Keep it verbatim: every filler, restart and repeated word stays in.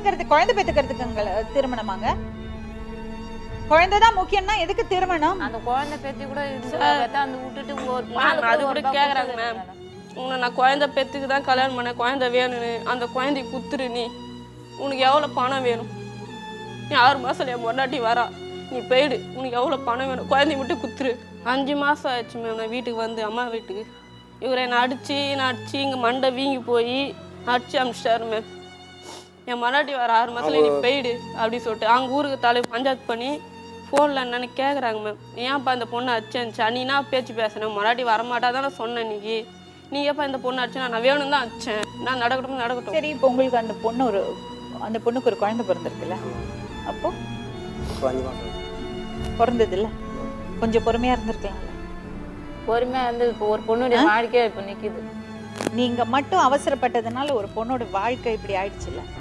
திருமணங்கிறது குழந்தை பெத்துக்கிறதுக்கு திருமணமாங்க? குழந்தைதான் முக்கியம்னா எதுக்கு திருமணம்? அந்த குழந்தை பெத்தி கூட அந்த விட்டுட்டு அது கூட கேக்குறாங்க மேம். உன்னை நான் குழந்தை பெத்துக்கு தான் கல்யாணம் பண்ணேன், குழந்தை வேணும்னு. அந்த குழந்தை குத்துரு, நீ உனக்கு எவ்வளோ பணம் வேணும்? நீ ஆறு மாதம் என் பொண்டாட்டி வரா, நீ போயிடு, உனக்கு எவ்வளோ பணம் வேணும்? குழந்தை மட்டும் குத்துரு. அஞ்சு மாதம் ஆயிடுச்சு மேம் நான் வீட்டுக்கு வந்து, அம்மா வீட்டுக்கு. இவரை என்னை அடித்து நான் அடித்து இங்கே மண்டை வீங்கி போய் அடிச்சு அனுப்பிச்சிட்டாரு மேம். என் பொண்டாட்டி வர ஆறு மாதத்துல நீ போயிடு அப்படின்னு சொல்லிட்டு அவங்க ஊருக்கு தலை பஞ்சாயத்து பண்ணி ஃபோனில் என்னன்னு கேட்குறாங்க மேம். ஏன்ப்பா இந்த பொண்ணை அடிச்சேன்ச்சா? நீனா பேச்சு பேசுனேன், பொண்டாட்டி வரமாட்டா தான் நான் சொன்னேன். இன்னைக்கு நீ எப்போ இந்த பொண்ணு அடிச்சா? நான் வேணும் தான் அடிச்சேன், நான் நடக்கட்டும் நடக்கட்டும். சரி, இப்போ உங்களுக்கு அந்த பொண்ணு ஒரு அந்த பொண்ணுக்கு ஒரு குழந்தை பிறந்திருக்குல்ல, அப்போ பிறந்தது இல்லை, கொஞ்சம் பொறுமையா இருந்திருக்கலாம்ல. பொறுமையா இருந்து இப்போ ஒரு பொண்ணுடைய வாழ்க்கையா இப்போ நிக்குது. நீங்க மட்டும் அவசரப்பட்டதுனால ஒரு பொண்ணோட வாழ்க்கை இப்படி ஆயிடுச்சுல்ல.